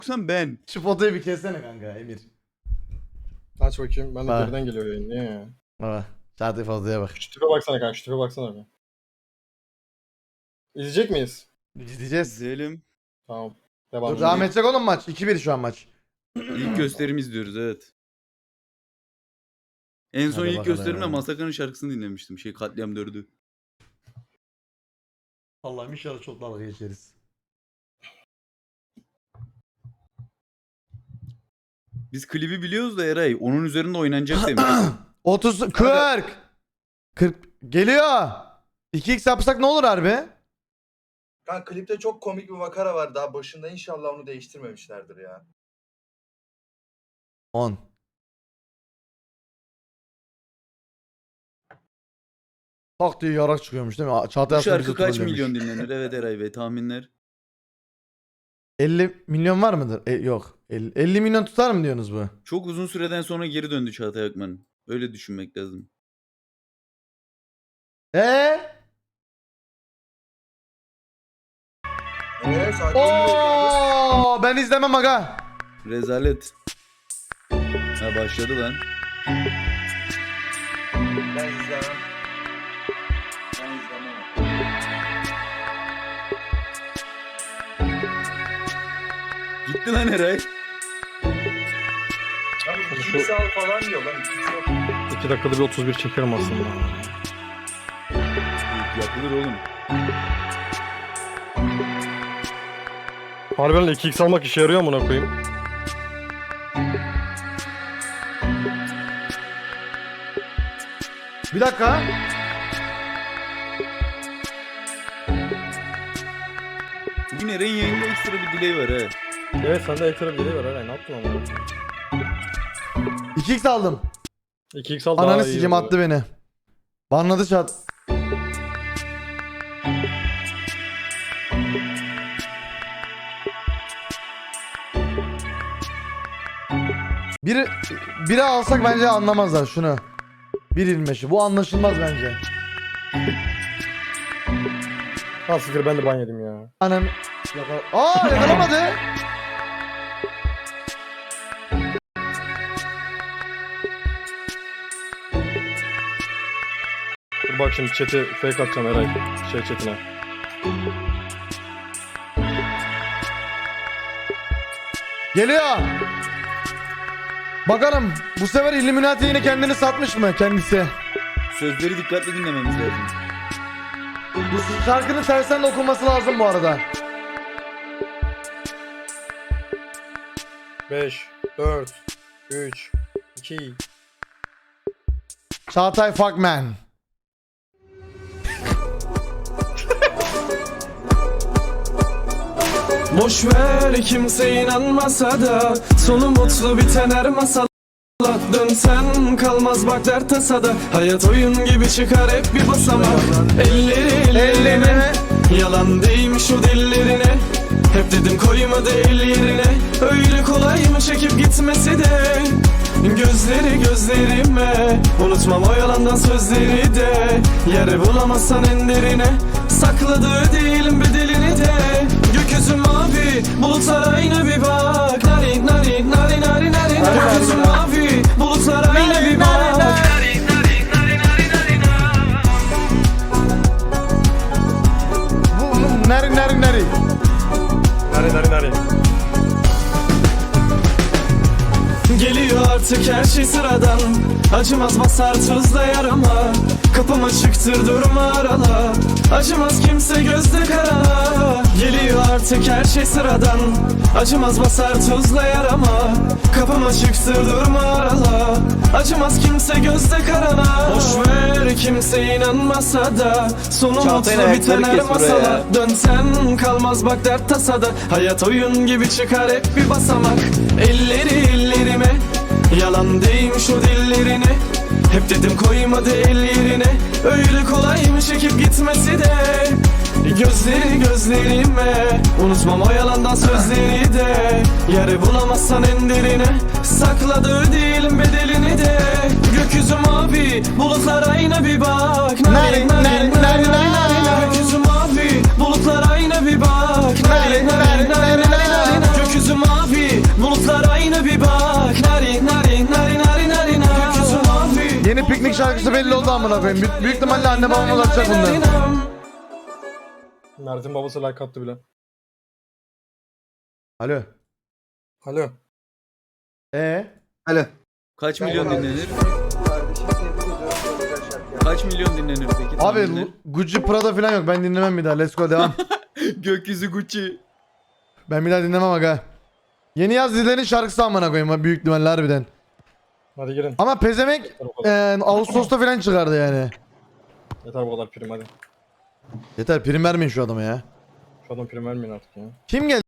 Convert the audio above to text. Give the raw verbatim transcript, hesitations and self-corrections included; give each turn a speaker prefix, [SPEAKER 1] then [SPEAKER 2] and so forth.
[SPEAKER 1] Yoksa ben.
[SPEAKER 2] Şu fotoyu bir kessene kanka Emir.
[SPEAKER 3] Aç bakayım. Ben de
[SPEAKER 2] Bak.
[SPEAKER 3] geriden geliyor yayın. Niye ya?
[SPEAKER 2] Baba. Çağatay fotoya bak.
[SPEAKER 3] Şu tipe baksana kanka. Şu tipe baksana bir. İzleyecek miyiz?
[SPEAKER 2] İzleyeceğiz.
[SPEAKER 1] İzleyelim.
[SPEAKER 3] Tamam. Devam.
[SPEAKER 2] Dur devam edecek oğlum maç. iki bir şu an maç.
[SPEAKER 1] İlk gösterim izliyoruz evet. En son
[SPEAKER 2] Hadi
[SPEAKER 1] ilk
[SPEAKER 2] bakalım
[SPEAKER 1] gösterimde
[SPEAKER 2] ya.
[SPEAKER 1] Masakan'ın şarkısını dinlemiştim. Şey Katliam dördü.
[SPEAKER 2] Allah'ım inşallah çok dalga geçeriz.
[SPEAKER 1] Biz klibi biliyoruz da Eray. Onun üzerinde oynanacak demiş.
[SPEAKER 2] otuz kırk kırk geliyor. iki x yapsak ne olur harbi?
[SPEAKER 4] Kanka klipte çok komik bir makara var daha başında, inşallah onu değiştirmemişlerdir ya.
[SPEAKER 2] on. Tak diye yarak çıkıyormuş değil mi? Çağatay
[SPEAKER 1] Bu
[SPEAKER 2] aslında
[SPEAKER 1] şarkı
[SPEAKER 2] bizi
[SPEAKER 1] kaç
[SPEAKER 2] trollemiş.
[SPEAKER 1] milyon dinlenir? Evet Eray Bey tahminler.
[SPEAKER 2] elli milyon var mıdır? E, yok. elli, elli milyon tutar mı diyorsunuz bu?
[SPEAKER 1] Çok uzun süreden sonra geri döndü Çağatay Akman. Öyle düşünmek lazım.
[SPEAKER 2] Eee?
[SPEAKER 4] Eee sakin ol.
[SPEAKER 2] Oo, ben izlemem aga.
[SPEAKER 1] Rezalet. Ha başladı lan.
[SPEAKER 4] Ben izlemem. Ben izlemem.
[SPEAKER 1] Gitti lan Eray.
[SPEAKER 4] Abi iki saat falan diyor lan. iki yok.
[SPEAKER 3] iki dakikada bir otuz bir çekerim aslında.
[SPEAKER 1] Yapılır oğlum.
[SPEAKER 3] Harbiden iki x almak işe yarıyor amına koyayım.
[SPEAKER 2] Bir dakika.
[SPEAKER 1] Bugün Eray'in yayında ekstra bir delay var ha.
[SPEAKER 3] Evet sende ekstra bir delay var Eray. Ne yaptın amına?
[SPEAKER 2] iki x aldım.
[SPEAKER 3] iki x al daha
[SPEAKER 2] Ananı
[SPEAKER 3] iyi
[SPEAKER 2] sikim
[SPEAKER 3] oluyor.
[SPEAKER 2] attı beni. Banladı çat. Biri, biri alsak bence anlamazlar şunu. bir yirmi beşi. Bu anlaşılmaz bence.
[SPEAKER 3] Ha siktir ben de ban yedim ya.
[SPEAKER 2] Anam. Yakala Aa yakalamadı.
[SPEAKER 3] Dur bak şimdi chat'i fake atacağım Eray. Şey chat'ine.
[SPEAKER 2] Geliyor. Bakalım bu sefer Illuminati yine kendini satmış mı kendisi?
[SPEAKER 1] Sözleri dikkatli dinlememiz lazım.
[SPEAKER 2] Bu şarkının tersten de okunması lazım bu arada.
[SPEAKER 3] beş, dört, üç, iki.
[SPEAKER 2] Çağatay Fuckman.
[SPEAKER 5] Boş ver kimse inanmasa da sonu mutlu biten her masal. Dönsen kalmaz bak dert tasada. Hayat oyun gibi çıkar hep bir basamak. Elleri ellerine, yalan değmiş o dillerine. Hep dedim koymadı el yerine. Öyle kolay mı çekip gitmesi de. Gözleri gözlerime, unutmam o yalandan sözleri de. Yer bulamazsan en derine, sakladığı değilim bedelini de. Gökyüzü mavi, bulutlar aynı bir bak. Nari nari nari nari nari. Gökyüzü mavi, bulutlar aynı bir bak.
[SPEAKER 2] Bu, bu neri neri neri.
[SPEAKER 3] Nari nari nari.
[SPEAKER 5] Geliyor artık her şey sıradan. Acımaz basar tuzla yarama. Kapım açıktır durma arala. Acımaz kimse gözde karala. Geliyor artık her şey sıradan. Acımaz basar tuzla yarama. Kapım açıktır durma arala. Acımaz kimse gözde karala. Boş ver kimse inanmasa da sonu mutlu biten her masala. Dönsen kalmaz bak dert tasada. Hayat oyun gibi çıkar hep bir basamak. Elleri ellerime, yalan değmiş o dillerine. Hep dedim koymadı el yerine. Öyle kolay mı çekip gitmesi de. Gözleri gözlerime, unutmam o yalandan sözleri de. Yeri bulamazsan en derine, sakladığı değilim bedelini de. Gökyüzü mavi, bulutlar aynı bir bak. Nari nari nari nari. Gökyüzü mavi, bulutlar aynı bir bak. Nari nari nari nari. Gökyüzü mavi, mavi, bulutlar aynı bir bak. Nari nari nari nari nari nari. Gökyüzü mavi.
[SPEAKER 2] Yeni piknik şarkısı belli oldu amına koyayım. Büyük, büyük ihtimalle anne babam ulaşacak bundan.
[SPEAKER 3] Mert'in babası like attı bile.
[SPEAKER 2] Alo.
[SPEAKER 3] Alo.
[SPEAKER 2] Ee?
[SPEAKER 1] Alo. Kaç milyon
[SPEAKER 4] Ben
[SPEAKER 1] dinlenir?
[SPEAKER 4] Kardeşim tebrik ediyorum. Böyle güzel şarkı yaptın.
[SPEAKER 1] Kaç milyon dinlenir peki?
[SPEAKER 2] Abi
[SPEAKER 1] tahminler?
[SPEAKER 2] Gucci Prada falan yok. Ben dinlemem bir daha. Let's go devam.
[SPEAKER 1] Gökyüzü Gucci.
[SPEAKER 2] Ben bir daha dinlemem aga. Yeni yaz dizilerin şarkısı amına koyayım büyük ihtimalle harbiden.
[SPEAKER 3] Hadi girin.
[SPEAKER 2] Ama pezemek
[SPEAKER 3] Yeter bu kadar.
[SPEAKER 2] e, Ağustos'ta falan çıkardı yani.
[SPEAKER 3] Yeter bu kadar prim hadi.
[SPEAKER 2] Yeter prim vermeyin şu adama ya.
[SPEAKER 3] Şu adam prim vermeyin artık ya.
[SPEAKER 2] Kim geldi?